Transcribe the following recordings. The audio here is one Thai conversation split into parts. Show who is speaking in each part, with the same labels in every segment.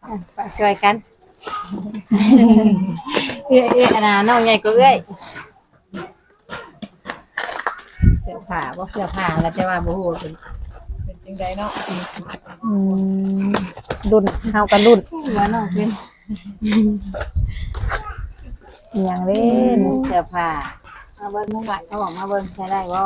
Speaker 1: ช่วยกันเอื้อยอันน่ะน้องใหญ่ก็เอื้อยเสื้อผ้าบ่เสื้อผ้าแล้วแต่ว่าบ่ฮู้เป็นจังไดเนาะ
Speaker 2: อืมรุ่นเฮากันรุ่น
Speaker 1: ว่าน้องเป็น
Speaker 2: อหย่างเล่น
Speaker 1: เสื้อผ้ามาเบิ่งมุ้งหลายเขาบอกมาเบิ่งใช้ได้บ่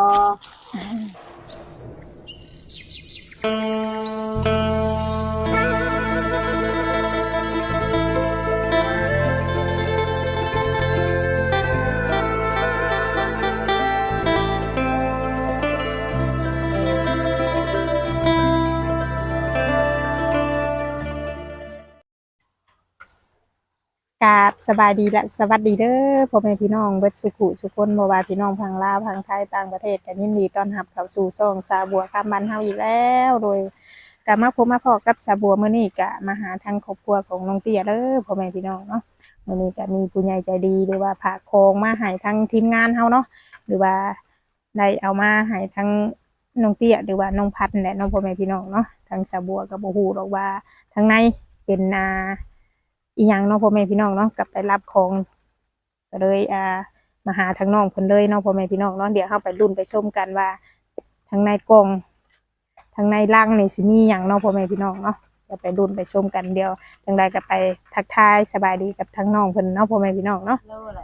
Speaker 2: กราบสบายดีและสวัสดีเด้อพ่อแม่พี่น้องเบิดสุขุสุคนบ่ว่าพี่น้องพังลาวพังไทยต่างประเทศกันยินดีต้อนรับเข้าสู่ช่องสาบัวคำบ้านเฮาอีกแล้วโดยก็มาพบมาพอกับสาบัวมื้อนี้ก็มาหาทางครอบครัวของน้องเตี้ยเด้อพ่อแม่พี่น้องเนาะมื้อนี้ก็มีผู้ใหญ่ใจดีหรือว่าฝากของมาให้ทางทีมงานเฮาเนาะหรือว่าได้เอามาให้ทางน้องเตี้ยหรือว่าน้องพัดนั่นแหละเน้องพ่อแม่พี่น้องเนาะทางสาบัวก็บ่ฮู้หรอกว่าทางในเป็นอีหยังเนาะพ่อแม่พี่น้องเนาะกลับไปรับของก็เลยมาหาทางน้องเพิ่นเลยเนาะพ่อแม่พี่น้องเนาะเดี๋ยวเฮาไปลุ้นไปชมกันว่าทางในกล่องทางในลังนี่สิมีหยังเนาะพ่อแม่พี่น้องเนาะเดี๋ยวไปลุ้นไปชมกันเดี๋ยวจังใดก็ไปทักทายสบายดีกับทางน้องเพิ่นเนาะพ่อแม่พี่น้องเนาะ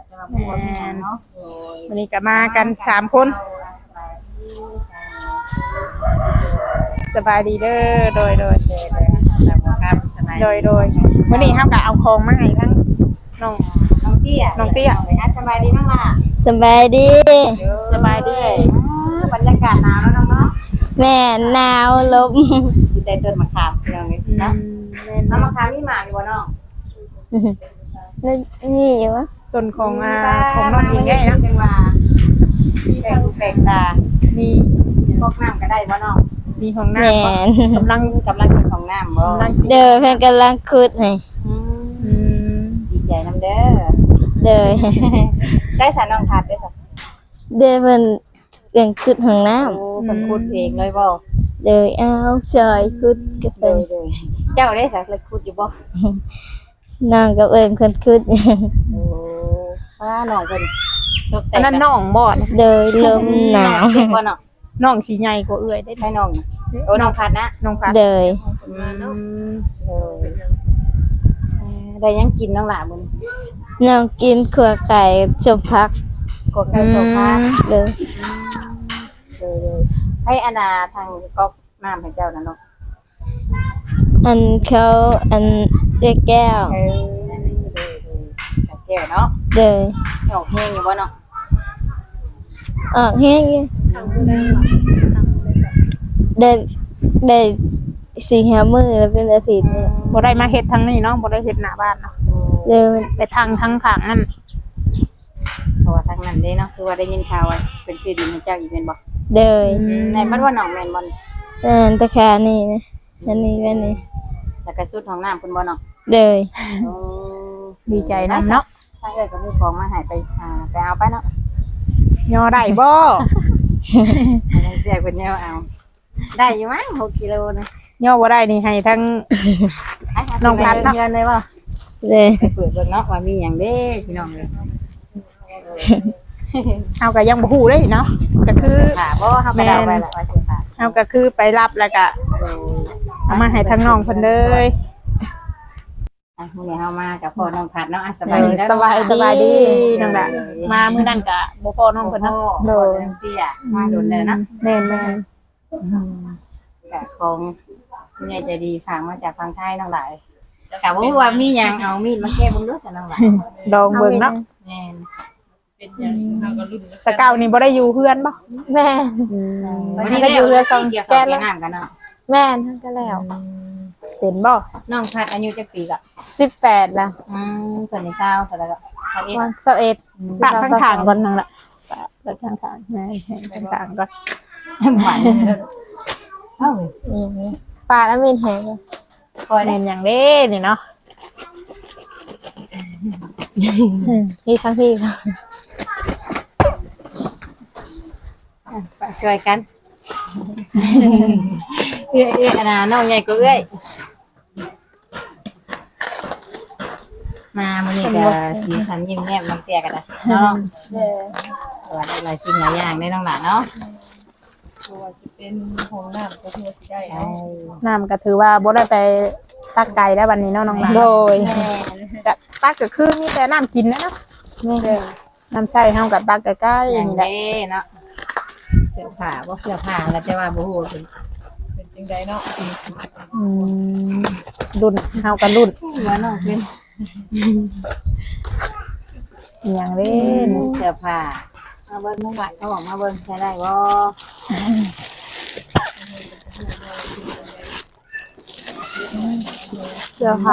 Speaker 2: วันนี้ก็มากัน3คนสบายดีเด้อโดยวันนี้เฮาก็เอาของมาให้ทั้งน้องเตี้ย
Speaker 1: สบายดีมั้งล่ะ
Speaker 3: สบายดี
Speaker 2: สบายดี
Speaker 1: บรรยากาศหนาวแล้วน้องเนาะ
Speaker 3: แม่หนาวลม
Speaker 1: สิได้ต้นมะขามพี่น้องนี่นะน้ำมะขามมีหมากอยู่บ่น้อง
Speaker 3: นี่อยู่วะ
Speaker 2: ต้นของน้องเองไงนะ
Speaker 1: จังว่าแปลกตา
Speaker 2: มี
Speaker 1: พวกน้ำก็ได้บ่น้อง
Speaker 2: มีของน้ำกำลัง
Speaker 1: เป็นของน้ำบ่
Speaker 3: เด้อเพิ่นกำลังขุดให้
Speaker 1: ดีใจน้ำเด้อ
Speaker 3: เด้อ
Speaker 1: ได้สารน้องพัดด้วยค่ะ
Speaker 3: เด้อเพิ่นเรื่องขุดห้องน้ำ
Speaker 1: เพิ่นขุดเองเลยบ่
Speaker 3: เด้อเอาซอยขุดกับเพิ่น
Speaker 1: เจ้าได้สักเลยขุดอยู่บ่
Speaker 3: น้องกับเอิ้นเพิ่นขุด
Speaker 1: โอ้ว่าน้องเพิ่น
Speaker 2: อันนั้นน้องบ่นะ
Speaker 3: เด้อลมหนาว
Speaker 1: บ่น้อง
Speaker 2: น้องสิใหญ่กว่าเอื้อยได้
Speaker 1: ใช่น้องโอ้น้องพัดนะ
Speaker 2: น้องพัด
Speaker 3: เด้อ
Speaker 1: ได้ยังกินน้องหล่ะมื้อ
Speaker 3: น้องกินขัวไก่จมพัก
Speaker 1: กดไก่โซฟา
Speaker 3: เด้อ
Speaker 1: ให้อนาทางก๊อกน้ำให้เจ้านะน้อง
Speaker 3: อันเขาอันเรียกแก้ว
Speaker 1: แก้วเนาะ
Speaker 3: เด้อ
Speaker 1: ออกแห้งอยู่บ่เนาะ
Speaker 3: แห้งได้4-5 มื้อแล้วเป็นอาทิตย์นี่
Speaker 2: บ่ได้มาเฮ็ดทางนี้เนาะบ่ได้เฮ็ดหน้าบ้านเนาะ
Speaker 3: เด้อ
Speaker 2: ไปทางข้างนั่น
Speaker 1: เพราะว่าทางนั้นเด้เนาะคือว่าได้ยินข่าวว่าเป็นชื่อดินให้เจ้าอีกแม่นบ่
Speaker 3: เด้อ
Speaker 1: แม่นบ่ว่าน้องแม่นบ่
Speaker 3: ตะคานี่นะอันนี้แม่นี่
Speaker 1: แล้วก็สุดของน้ำเพิ่นบ่เนาะ
Speaker 3: เด้อ
Speaker 2: ดีใจนำเนาะ
Speaker 1: ถ้าเกิดก็มีของมาให้ไปเอาไปเนาะ
Speaker 2: ย่อได้บ่
Speaker 1: เรียกเพิ่นย่อเอาได้อยู่มั้ง6 กิโลนะ
Speaker 2: ย่อบ่ได้นี่ให้ทั้งน้องพัดเนาะ
Speaker 1: เลยบ่
Speaker 3: เด้อ
Speaker 1: ไปเปิดเบิ่งเนาะว่ามีหยังเด้พี่น้องเด้อ
Speaker 2: เอาก็ยังบ่ฮู้เด้เนาะก็คือ
Speaker 1: ค่ะบ่เฮาก็เดาไปแหละว่าสิค่ะ
Speaker 2: เอาก็คือไปรับแล้วก็เอามาให้ทั้งน้องเพิ่นเลย
Speaker 1: มื้อนี้เฮามากับพ่อน้องพัดเนาะสบายดี
Speaker 2: สบายดีน้องล่ะมามื้อนั้นก็บ่พอน้องเพิ่นเนาะ
Speaker 1: โดนเตี้ยมาโดนเลยเนาะ
Speaker 2: แม่น
Speaker 1: ก็ของผู้ใหญ่ใจดีฝากมาจากฝั่งไทยน้องหลายก็บ่ฮู้ว่ามีหยังเอามีดมาแก้เบิ่งดูซะน้องหลาย
Speaker 2: ลองเบิ่งเนาะ
Speaker 1: แม่น
Speaker 2: เป็นหยังเฮาก็ลุ้นตะเก้านี่บ่ได้อยู่เฮือนบ่
Speaker 3: แม่
Speaker 1: วันนี้ก็อยู่เรือสองแก้น้ำกันเนาะ
Speaker 3: แม่ทั้งก็แล้ว
Speaker 2: เป็นบ่
Speaker 1: น้องพัดอายุจักปีก็
Speaker 3: 18ล่ะ
Speaker 1: เพิ่นนี่เช้าเท่าไหร่ก็
Speaker 3: 21
Speaker 2: ปากข้างๆก่อนนั่นล่ะปากข้างๆแม่ข้างๆก่อน
Speaker 1: หวานเอ้า
Speaker 3: ปาดแล้วมีแฮง
Speaker 2: คอยเล่นหยังเด้นี่เนาะ
Speaker 3: นี่ทั้งที่ค่ะ
Speaker 1: ช่วยกันเอื้อยอันน่ะน้องใหญ่ก็เอื้อยมามื้อนี้ก็สีสันยิ้มแย้มน้องเตี้ยกันนะเนาะ
Speaker 3: เด้อ
Speaker 1: ว่าหลายสิ่งหลายอย่างได้น้องหลานเนาะ
Speaker 4: ตัวจะเป็นห้องน้ำก็คือสิได้
Speaker 1: ใช่
Speaker 2: น้ำก็ถือว่าบ่ได้ไปตักไก่ได้วันนี้เนาะน้องหลาน
Speaker 3: โดย
Speaker 2: ก็ตักก็คือมีแต่น้ำกินนะเนาะ
Speaker 3: แม่
Speaker 2: น้ำใช้เฮากับตักใกล้
Speaker 1: อ
Speaker 2: ๆ
Speaker 1: ย่าง
Speaker 2: นี่แหละ
Speaker 1: นี้เนาะเสื้อผ้าบ่เสื้อผ้าแล้วจะว่าบ่ฮู้เป็น
Speaker 4: เป็นจังไดเนาะ
Speaker 2: อืมรุ่นเฮากับรุ่น
Speaker 1: ว่าน้องเป็น
Speaker 2: อหย่างเล่น
Speaker 1: เสื้อผ้ามาเบิ่งน้องหลานเขาบอกมาเบิ่งใช้ได้บ่
Speaker 3: เสื้อผ้า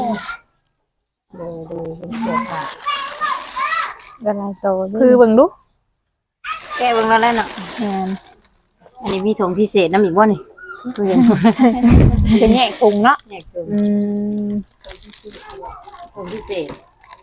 Speaker 1: ดูเป็นเสื้อผ้า
Speaker 3: ก็หลายโตด้
Speaker 2: คือ
Speaker 3: วย
Speaker 2: เบิ่งดู
Speaker 1: แก้เบิ่งแล้วแหละเนาะ
Speaker 2: แม่น
Speaker 1: อันนี้มีถุงพิเศษน้ำอีกบ่นี่คือเห็น
Speaker 2: จะแยกถุงเนาะ
Speaker 1: แยกถุง
Speaker 2: อืม
Speaker 1: ถุงพิเศษ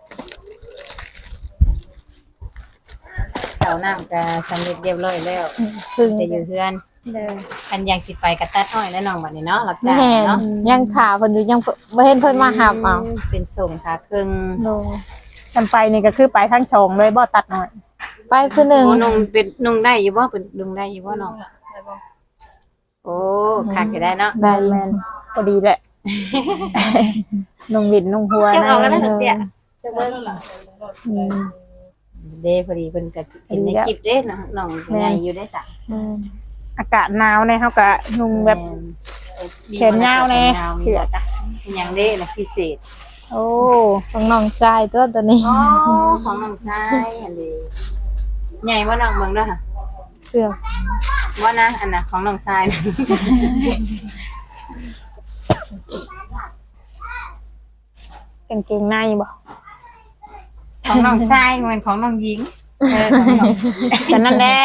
Speaker 1: เต่าน้ำก็สำเร็จเรียบร้อยแล้ว
Speaker 3: ซึ่ง
Speaker 1: จะอยู่เพื่อน
Speaker 3: เด้อ
Speaker 1: อันยังสิไปกระตัดอ้อยแล้วน้องบัดนี้เนาะรับจ้าง
Speaker 3: แม่น
Speaker 1: เนาะ
Speaker 3: ยังขาเพิ่นอยู่ยังบ่เห็นเพิ่นมาหับเอา
Speaker 1: เป็นส่งขาครึ่ง
Speaker 3: โดย
Speaker 2: กันไปนี่ก็คือไปทั้งชองเลยบ่ตัดหน่อย
Speaker 3: ไปคือหนึง
Speaker 1: โอ้นุ่งเป็นนุ่งได้อยู่บ่เป็นนุ่งได้อยู่บ่น้อง
Speaker 4: ได้บ่
Speaker 1: โอ้คักอยู่ได้เนาะ
Speaker 3: ได้
Speaker 2: แม่นพอดีแหละ นุ่งวินนุ่งหัว
Speaker 1: เจ้า
Speaker 2: นะ
Speaker 1: เอากันแล้วเตี้ยเจ้าเบิ่ง
Speaker 2: อืม
Speaker 1: เด้พอดีเพิ่นก็สิเห็นในคลิปเด้น้องใหญ่อยู่ได้ซะ
Speaker 3: อืม
Speaker 2: อากาศหนาวเนี่ยเฮาก็นุ่งแบบแขนยาวแน่เสื้อจ้ะ
Speaker 1: เป็นหยังเด้น่ะพิเศษ
Speaker 2: โอ้
Speaker 3: ของน้องชายตัวนี้
Speaker 1: อ๋อของน้องชายอันนี้ใหญ่บ่น้องเบิ่งเด้อค่ะ
Speaker 3: เสื้อ
Speaker 1: ว่านะอันน่ะของน้องชายนะ
Speaker 2: กางเกงในบ่
Speaker 1: ของน้องชายเหมือนของน้องหญิงของน้อง
Speaker 2: แต่นั่นแหละ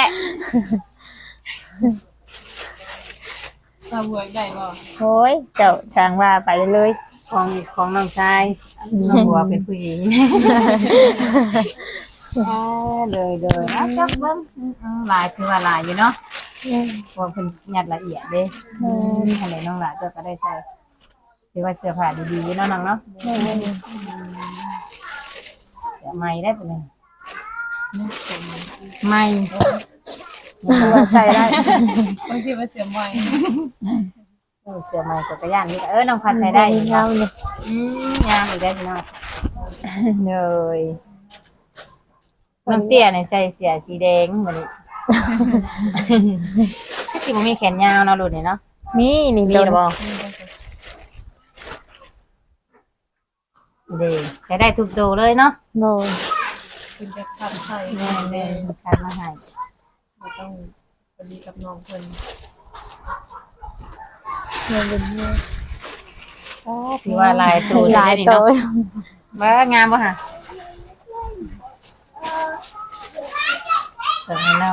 Speaker 4: ถ้าบวกได้บ่
Speaker 2: โอ้ยเจ้าช่างว่าไปเลย
Speaker 1: ของน้องชายน้องบัวเป็นผู้หญิงเลยเอาจักเบิ่งหลายคือว่าหลายอยู่เนาะเพราะว่าเพิ่นยัดละเอียดเด้อันไหนน้องหลานเจ้าก็ได้ใส่ถือว่าเสื้อผ้าดีๆอยู่เนาะน้องเนาะเสื้อใหม่ได้ปะเนี่ยใหม่
Speaker 2: ตัวใส่ได้
Speaker 4: บางทีมันเสียใหม่
Speaker 1: เสื้อใหม่จักรยานนี่ก็น้องพัดใส่ได้อยู่
Speaker 3: ยา
Speaker 1: เนาะ
Speaker 3: วเลย
Speaker 1: งามอีกแล้วพี่น้องเลยน้องเตี้ยเนี่ยใส่เสื้อสีแดงเหมือนนี้ก็สิบ่มีแขนยาวเนาะรุ่นนี้เนาะ
Speaker 2: มีนี่
Speaker 1: มี
Speaker 2: ตัว
Speaker 1: หรือบ่เด้ใช้ได้ทุกโตวเลยเนาะ
Speaker 3: โดย
Speaker 4: เป็นจะทำใส่
Speaker 1: แม่ๆคัดมาให้
Speaker 4: บ่ต้องพอดีกับน้องเพิ่น
Speaker 3: เงินเป็นเงิน
Speaker 1: ถือว่าลายตัว
Speaker 3: หลา
Speaker 1: ได้
Speaker 3: ย
Speaker 1: นี่
Speaker 3: โต
Speaker 1: เนาะว่างามบ่ฮะสวยเนาะ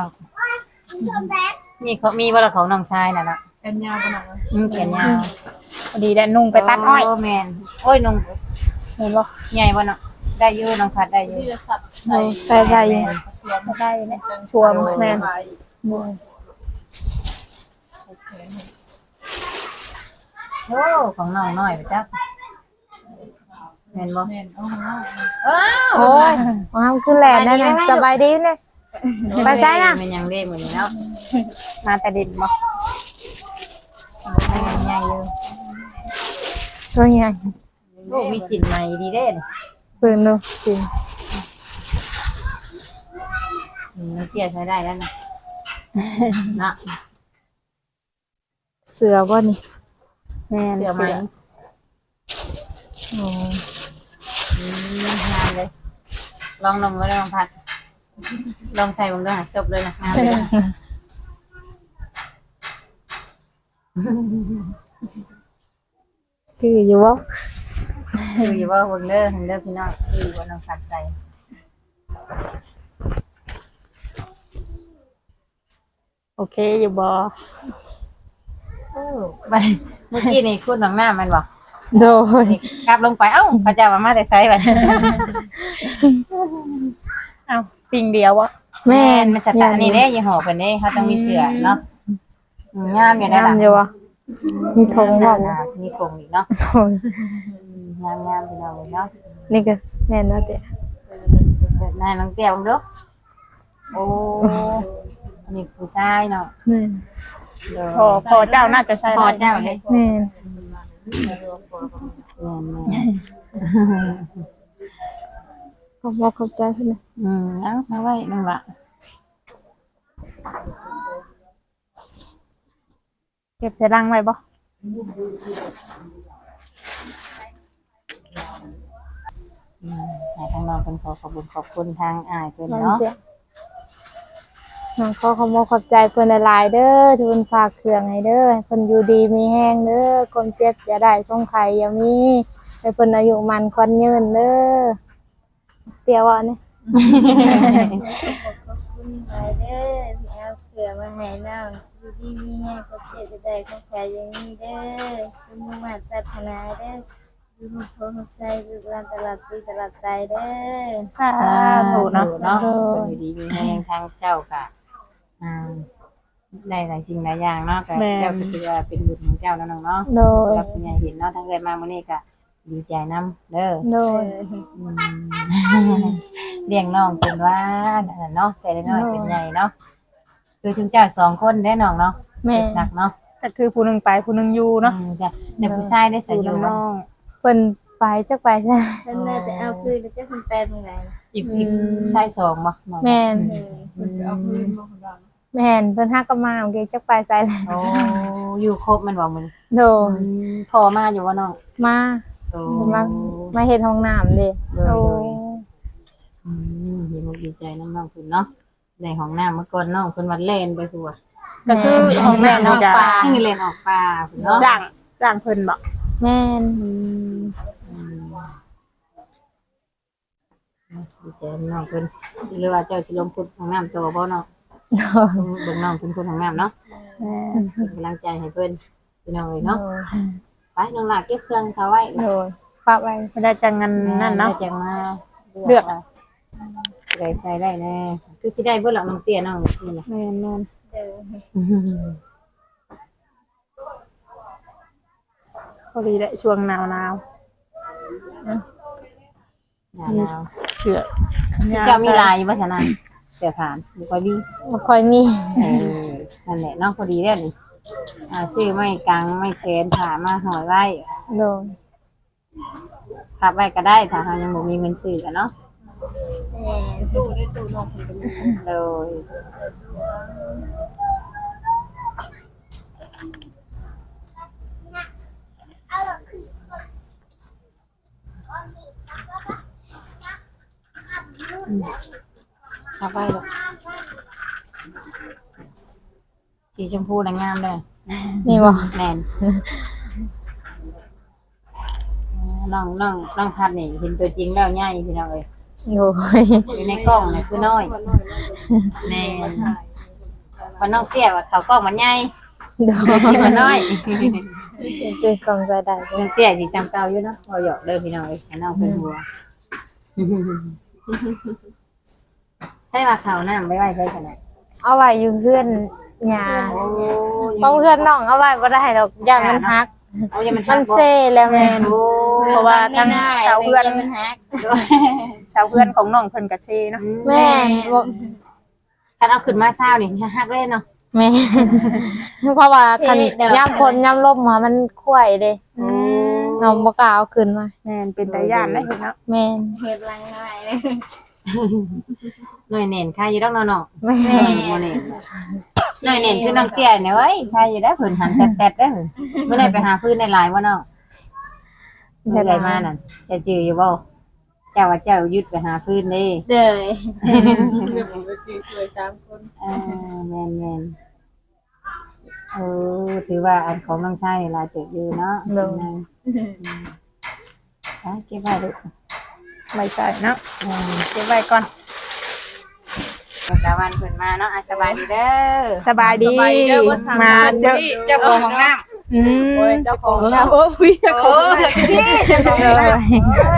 Speaker 1: มีบ่ละของน้องชายน่ะเนาะ
Speaker 4: กันยาวบ่น่ะ
Speaker 1: แขนยาว
Speaker 2: พอดีได้นุ่งไปตัดอ้อย
Speaker 1: โแม่นโอ้ยนุ่ง
Speaker 2: เห็นบ่
Speaker 1: ใหญ่บ่เนาะได้อยู่น้องพัดได้อยู่
Speaker 4: ที่จะสับ
Speaker 3: โดยใส่ได้อยู่
Speaker 4: เสียม
Speaker 2: ได้เนี่ยสวมแม่น
Speaker 3: โดย
Speaker 1: โอ้ของน้องน้อยไปจ้ะแม่นบ่
Speaker 4: แม่นเอาข้างนอก
Speaker 1: อ้าว
Speaker 3: โอ้ยว้าวคือแหลมนั่นน่ะสบายดีเลย ไปใส่น่ะ
Speaker 1: มันยังเด้เหมือนนี้เนาะ
Speaker 2: มาแต่ดินบ่
Speaker 1: มันใหญ่อยู่
Speaker 3: ตัวใหญ่
Speaker 1: โอ้มีสินใหม่ดีเด้นี่
Speaker 3: ปืนดูสิ
Speaker 1: มันเตี้ยใช้ได้แล้วนะนะ
Speaker 3: เสือบ่นี่
Speaker 2: แม่น
Speaker 1: เสื้อไหม
Speaker 3: โอ้
Speaker 1: งามเลยลองก็ได้ลองพัดลองใส่บ้างด้วยจบเลยนะงามเลย
Speaker 3: คืออยู่บ่
Speaker 1: คืออยู่ว่าเบิ่งเด้อเด้อพี่น้องคือว่าน้องพัดใส่
Speaker 2: โอเคอยู่บ่
Speaker 1: ไปเมื่อกี้นี่คุณหนังหน้ามันบอก
Speaker 3: โดย
Speaker 1: กลับลงไปเอ้าพระเจ้ามาแต่ไซส์ไป
Speaker 2: เอ้าปิงเดียวบ่
Speaker 3: แม่
Speaker 1: แม่นมันสตาร์นี่เด้ยี่ห้อเพิ่นเด้เขาต้องมีเสื้อเนาะงามอยู่ได้
Speaker 3: งาม
Speaker 1: ล่ะ
Speaker 3: อยู่บ่มีธงบ่
Speaker 1: มีธงอีกเนาะ
Speaker 3: โอ้ย
Speaker 1: งามพี่น้องเนาะ
Speaker 3: นี่ก็แม่นว่าเด้อ
Speaker 1: เดี๋ยวนายน้องเตี้ยบังเด้อโอ้อันนี้ผู้ชายเนาะ
Speaker 2: แม่น
Speaker 1: เด้อ
Speaker 2: พอเจ้าน่าจะใช่
Speaker 1: พอเจ้าเลย
Speaker 2: แม่น
Speaker 1: แม่น
Speaker 3: ขอบคุณขอบใจเพิ่นนะ
Speaker 1: เอามาไว้นั่งละ
Speaker 2: เก็บใส่รังไว้บ่
Speaker 1: ให้ทางน้องเป็นขอบคุณขอบคุณทางอ้ายเพิ่น
Speaker 3: น้อง
Speaker 1: เนาะ
Speaker 3: เตี้ยน้องขอขอบคุณขอบใจเพิ่นหลายๆเด้อที่เพิ่นฝากเครื่องให้เด้อให้เพิ่นอยู่ดีมีแรงเด้อคนเจ็บอย่าได้คนไข้อย่ามีให้เพิ่นอายุมันขวัญยืนเด้อเตี้ยว่าเนี่ย
Speaker 5: ขอบคุณหลายเด้อที่เอาเผื่อมาให้น้องอยู่ดีมีแห้งก็เจ็บจะได้ของแผลอย่างนี้เด้อคุณมุ่งมั่นปรารถนาเด้ออยู่ในโพธิ์ใจลูกหลานตลอดปีตลอดไปเด้อ
Speaker 2: สาธุเนาะ
Speaker 1: เนาะอยู่ดีมีแรงทางเจ้าค่ะได้หลายสิ่งหลายอย่างเนาะก็เจ้าก็คือว่าเป็นบุญของเจ้าเนาะน้องเนาะ
Speaker 3: โดย
Speaker 1: รับคุณยายเห็นเนาะทั้งเอ้ยมามื้อนี้ก็ดีใจนํเด้อ
Speaker 3: โดย
Speaker 1: เลี้ยงน้องเป็นว่าเนาะแต่น้อยเป็นใหญ่เนาะคือชุมเจ้า2คนได้น้องเนาะ
Speaker 3: แม่
Speaker 1: หนักเนาะ
Speaker 2: ก็คือผู้หนึงไปผู้หนึงอยู่เนาะ
Speaker 1: จ้ะในผู้ชายได้
Speaker 2: อ
Speaker 1: ใส่
Speaker 2: ยู่
Speaker 1: อยู่
Speaker 2: น้
Speaker 1: เนาะ
Speaker 2: อง
Speaker 3: เพิ่นไปจักไปจ้ะ
Speaker 5: เพิ่นน่าจะเอาคืนแล้วจะเพิ่นแปลตรงไหน
Speaker 1: อีกชาย2บ่น้อง
Speaker 3: แม่น
Speaker 4: เอาคืนมาของเรา
Speaker 3: แม่นเพิ่นฮักก็มาโอเคจักไปใส่เลย
Speaker 1: โอ้อยู่ครบมันบ่มื้อ
Speaker 3: โดย
Speaker 1: พอมาอยู่บ่น้อง
Speaker 3: มา
Speaker 1: โอ้
Speaker 3: มาเฮ็ดห้องน้ำเด้
Speaker 1: โดยเห็นดีใจน้องๆคุณเนาะได้ห้องน้ำเมื่อก่อนน้องคุณวัดเล่นไปทัว
Speaker 2: ก็คือของแม่นี่จะ
Speaker 1: นี่เล่นออกป่าคุณเนาะ
Speaker 2: จ้างเพิ่นบ่
Speaker 3: แม่น
Speaker 1: ดีใจน้องคุณหรือว่าเจ้าสิลงพุทธห้องน้ำตัวบ่เนาะเบิ่งน้องคุณพุทธห้องน้ำเนาะ
Speaker 2: แม่น
Speaker 1: เป็นกำลังใจให้เพิ่นพี่น้องเลยเนาะไปน้องหลากเก็บเครื่องเขาไว้
Speaker 3: โดยฝากไว้
Speaker 2: ไม่ได้จังงันนั่นเนาะ
Speaker 1: จะมา
Speaker 2: เลือก
Speaker 1: ได้ใส่ได้แน่คือสิได้เบิ่งหลังน้องเตี้ยน้องนี่แหละ
Speaker 2: แม่น
Speaker 5: เด้อ
Speaker 2: พอดีได้ช่วงหนาว
Speaker 1: หนาว
Speaker 2: ๆเสื้อ
Speaker 1: เจ้ามีลายอยู่บ่ฉะนั้นเสื้อผ้าบ่ค่อยมี
Speaker 3: บ่ค่อยมี
Speaker 1: นั่นแหละเนาะพอดีแล้วนี่ซื้อไม้กางไม้แขนผ้ามาห่อยไว้
Speaker 3: โดย
Speaker 1: พับไว้ก็ได้ถ้าเรายังบ่มีเงินซื้อกันเนาะ
Speaker 5: แม่
Speaker 4: สู้ได้สู้น้องคนก็มี
Speaker 1: โดยพับไว้ลูกสีชมพูน่ะงามเลย
Speaker 3: นี่บ่
Speaker 1: แม่นน้องพัดนี่เห็นตัวจริงแล้วใหญ่พี่น้องเอ้ย
Speaker 3: โดย
Speaker 1: อยู่ในกล้องนี่คือน้อยแม่นว่าน้องเตี้ยว่าเขากล้องมันใหญ่
Speaker 3: โดย
Speaker 1: มันน้อย
Speaker 3: ตื่นกล่องใจได้
Speaker 1: น้องเตี้ยสิจำเก่าอยู่เนาะบ่หยอกเด้อพี่น้องเอ้ยให้น้องเป็นหัวใช่ว่าเขาน้ำไว้ใช่ซั่นน่ะ
Speaker 3: เอาไว้อยู่เพื่อนหญ้า
Speaker 1: โอ้
Speaker 3: เพราะเพื่อนน้องเอาไว้บ่ได้ดอกย่านมันฮัก
Speaker 1: เอาอย่ามัน
Speaker 3: มันเซ่แล้วแม่น
Speaker 1: โอ้
Speaker 2: เพราะว่าทั้งชาวเพื่อน
Speaker 5: มันฮัก
Speaker 2: ชาวเพื่อนของน้องเพิ่นก็เชเนาะ
Speaker 3: แม่นบ่
Speaker 1: ถ้าเอาขึ้นมาเช้านี่ฮักเลยเนาะ
Speaker 3: แม่นเพราะว่าคันยามฝนยามลมมามันข่วยเด้น้องบ่กล้าเอาขึ้นมา
Speaker 2: แม่นเป็นตาย่านได้เห็นเนาะ
Speaker 3: แม่น
Speaker 5: เฮ็ดรังน้อยเลย
Speaker 1: หน่อยเน่นค่าอยู่ดอกเนาะ
Speaker 3: แม่
Speaker 1: บ่เน่นหน่อยเน่นคือน้องเตี้ยเนี่ยเว้ยค่าอยู่ได้เพิ่นหันแตดๆเด้อเมื่อไหร่ไปหาพื้นในลายบ่น้องเมื่อไหร่มานั่นจะจืออยู่บ่เจ้าว่าเจ้ายึดไปหาพื้นเด้
Speaker 5: เด้อ
Speaker 4: เรื่องของจีสวย3คน
Speaker 1: แม่นถือว่าอันของน้องชายลายเติบอยู่เนาะเก็บไว้ลูก
Speaker 2: ไม่ใช่เนาะเก็บไว้ก่อน
Speaker 1: ตะวันเพิ่นมาเนาะสบายดีเด้อ
Speaker 2: สบายดีมาเจอ
Speaker 1: เจ้าของห้องน้ำ
Speaker 2: อืม
Speaker 4: โอ้ยเจ้าของแล้ว
Speaker 2: โอ้ยเจ้าของ
Speaker 1: พี่เจ้าของห้องน้ำ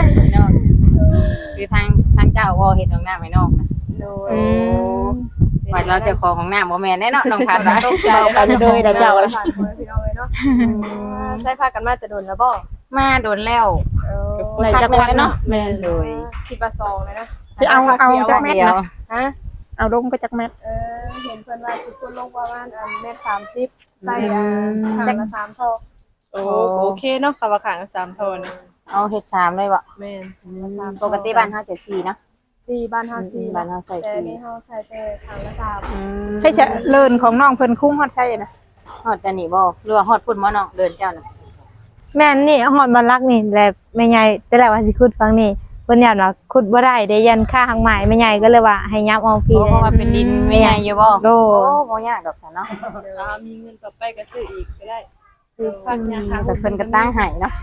Speaker 1: คือทางเจ้าว่าเฮ็ดห้องน้ำให้น้องนะ
Speaker 2: อืม
Speaker 1: ว่าเราเจ้าของห้องน้ำบ่แม่นแน่เนาะน้องพัดว่า
Speaker 2: เราไปเลยเดี๋ยวเจ้าละ
Speaker 4: ผ่านคนพี่น้องเลยเนาะใช้พากันมาจะโดนแล้วบ่
Speaker 1: มาโดนแล้ว
Speaker 2: ก็ฝไหนจัก
Speaker 1: พั
Speaker 2: พั
Speaker 1: ก
Speaker 2: ก
Speaker 1: หนึ่งแล้วเนาะ
Speaker 2: เนาะแม่น
Speaker 1: โดย
Speaker 4: คิดว่าซองเลยนะ
Speaker 2: สิเอาจักแม่น
Speaker 1: เดียว
Speaker 2: นะ
Speaker 4: ฮะ
Speaker 2: เอาลงไปจักแม่น
Speaker 4: เห็นเพิ่นว่าทุกคนลงประมาณเมตร30ใส่ข้างละ3ท่อโอ้โอเคเนาะค่ะว่าข้างละ3ท่อนะ
Speaker 1: เอาเฮ็ดชามเลยบ่
Speaker 4: แม่น
Speaker 1: ปกติบ้านเฮาจะ4เนาะ
Speaker 4: 4บ้านเฮา4
Speaker 1: บ้านเฮาใส่
Speaker 4: แต่
Speaker 1: 4
Speaker 4: นี่เฮาใส่แต่ข้างละ3
Speaker 2: ให้จะเลินของน้องเพิ่นคุ้งฮอดใช่นะ
Speaker 1: ฮอดจะนี่บ่หรือว่าฮอดพุ่นบ่เนาะเดินเจ้าน่ะ
Speaker 3: แม่นนี่หอดบันลักนี่แหละแม่ใหญ่แต่แรกว่าสิขุดฟังนี่เพิ่นอยากว่าขุดบ่ได้ได้ยันค่าทางไม้แม่ใหญ่ก็เลยว่าให้ยับเอาพี่
Speaker 1: เพราะว่าเป็นดินไม่ใหญ่อยู่บ่
Speaker 3: โด
Speaker 1: โอ้บ่ยากดอกเนาะ
Speaker 4: เดี๋ยวมีเงินต่อไปก็ซื้ออีกก็ได้คือฟังยาค่ะ
Speaker 1: แต่เพิ่นก็ตั้งให้เนาะ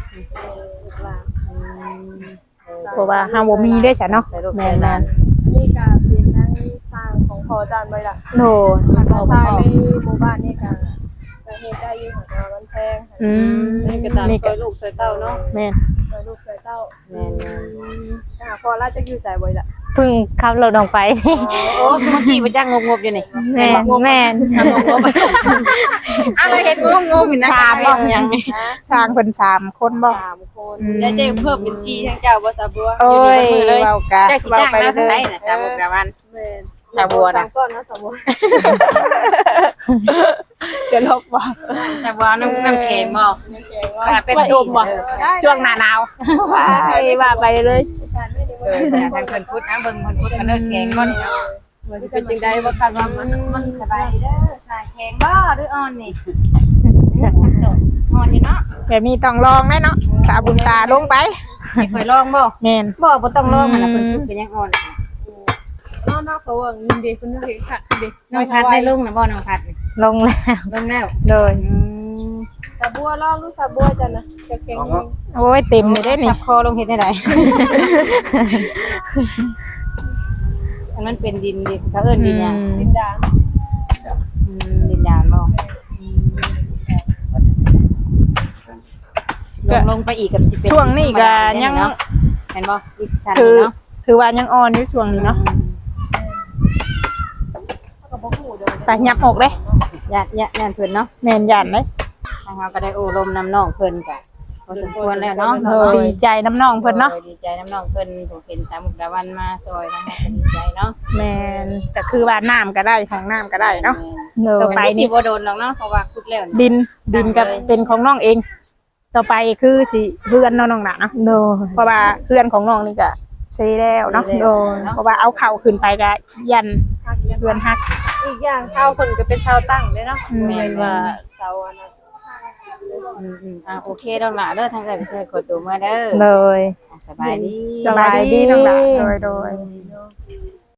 Speaker 2: เพราะว่าเฮาบ่มีได้ซะเนาะ
Speaker 1: ใส่ลูก
Speaker 2: แม่
Speaker 1: ใส่
Speaker 2: น
Speaker 1: หลาน
Speaker 4: นี่ก็เป็นทั้งสร้างของพอจานไว้ละ
Speaker 3: โด
Speaker 4: ราคาสร้างในหมู่บ้านนี่ก็เฮ็ดได้อยู่ค่ะมันแพง
Speaker 2: อืม
Speaker 4: นี่ก็ตามซอยลูกซอยเต้าเนาะ
Speaker 2: แม่น
Speaker 4: ซอยลูกซอยเต้า
Speaker 1: แม่น
Speaker 4: พอราจะอยู่ใส่ไว้ละ
Speaker 3: เพิ่งขับรถออกไป
Speaker 1: ๆโอ้เมื่อกี้บ่จักงบๆอยู่นี่
Speaker 3: แม่นแม่น
Speaker 1: อะไรเฮ็ดงงๆอยู่นะ
Speaker 2: ชามบ่
Speaker 1: ยัง
Speaker 2: ช้างเพิ่น3คนบ่
Speaker 4: 3คนแล้วจะเพิ่มเป็นชีทั้งเจ้าบ่ตาบัว
Speaker 2: โอ้ยเว้ากะ
Speaker 1: จักสิ
Speaker 2: เว้า
Speaker 1: จ้าง
Speaker 2: ไป
Speaker 1: มา
Speaker 2: เล
Speaker 1: เท่าไหร่
Speaker 2: ย
Speaker 1: น่ะสามมุกดาวัน
Speaker 4: แม่น
Speaker 1: ตาบัวนะ
Speaker 4: 3ก้อนนะสมมุติ
Speaker 2: เสียลบบ่
Speaker 1: ตาบัวน้ำแข็งบ่
Speaker 4: แกงว่า
Speaker 1: เป็น
Speaker 2: ไว้อมบ่ ช่วงหน้าหนาวว่าไปเลย
Speaker 4: การไม่ได้
Speaker 1: เออทางเพิ่นพุทธนะเบิ่งเพิ่นพุทธก็เลิกแข็งบ่นี่เนาะ
Speaker 4: มันเป็นจังได๋ว่าคาดว่ามัน
Speaker 1: สบายดีเด้อสายแข็งบ่หรืออ่อนนี่อ่อนอยู่เนาะ
Speaker 2: แบบนี้ต้องลองแน่เนาะสาบุญตาลงไป
Speaker 1: ให้ข่อยลองบ่
Speaker 2: แม่น
Speaker 1: บ่ต้องลองมันน่ะเพิ่นพุทธก็ยังอ่อน
Speaker 4: นอกเขาว่าเงินเด็กเพิ่นเฮ็ดค่ะเด็ก
Speaker 1: น้องพัดได้ลงนะบ่น้องพัดนี่
Speaker 3: ลงแล้ว
Speaker 1: ลงแล้ว
Speaker 3: โดย
Speaker 4: ตาบัวลองลูกตาบัวจ้ะนะจะแข็ง
Speaker 2: โอ้ยเต็มเลยได้นี่
Speaker 1: จับคอลงเฮ็ดได้ไดอันนั้นเป็นดินดิเขาเอิ้นดินหยัง
Speaker 4: ดินดาน
Speaker 1: ดินดานบ่ลงไปอีกกับสิเป็น
Speaker 2: ช่วงนี้ก็ยัง
Speaker 1: เห็นบ่อีกชั้น
Speaker 2: คื
Speaker 1: นึ
Speaker 2: อง
Speaker 1: เนาะ
Speaker 2: คือว่ายังอ่อนอยู่ช่วงนี้เนาะ
Speaker 4: ก็บ่ฮู้เด้อ
Speaker 2: ไปยับอกเลย
Speaker 1: ญาติเพิ่นเนาะ
Speaker 2: แม่นยันเลย
Speaker 1: ทางเราก็ได้โอ้ลมน้ำน้องเพิ่นก็พอสมควรแล้วเนาะ
Speaker 2: ดีใจน้ำน้องเพิ่นเนาะ
Speaker 1: ดีใจน้ำน้องเพิ่นผมเห็นสามมุกดาวันมาซอยทั้งหมดก็ดีใจเนาะ
Speaker 2: แม่นก็คือว่าน้ำก็ได้ของน้ำก็ได้เนาะ
Speaker 3: โด
Speaker 2: ต่อย ไป
Speaker 1: นี่สิบ่โดนหรอกเนาะเพราะว่าคุดแล้วนี่
Speaker 2: ดินก็เป็นของน้องเอง ต่อไปคือสิเพื่อนน้องหนาเนาะ
Speaker 3: โดย
Speaker 2: เพราะว่าเพื่อนของน้องนี่ก็ใช้แล้วเนาะ
Speaker 3: โดย
Speaker 2: เพราะว่าเอาเข่าขึ้นไปก็ยันเพื่อนฮัก
Speaker 4: อีกอย่างชาวเพิ่นก็เป็นชาวตั้งเลยเนาะแม่นว่าเสาอันนั้น
Speaker 1: โอเคดอกหล่ะเด้อทางเอ้ยไปเชิญกดตัวมาเด้อ
Speaker 3: โดย
Speaker 1: สบายดี
Speaker 2: สบายดีน้องหลานโดย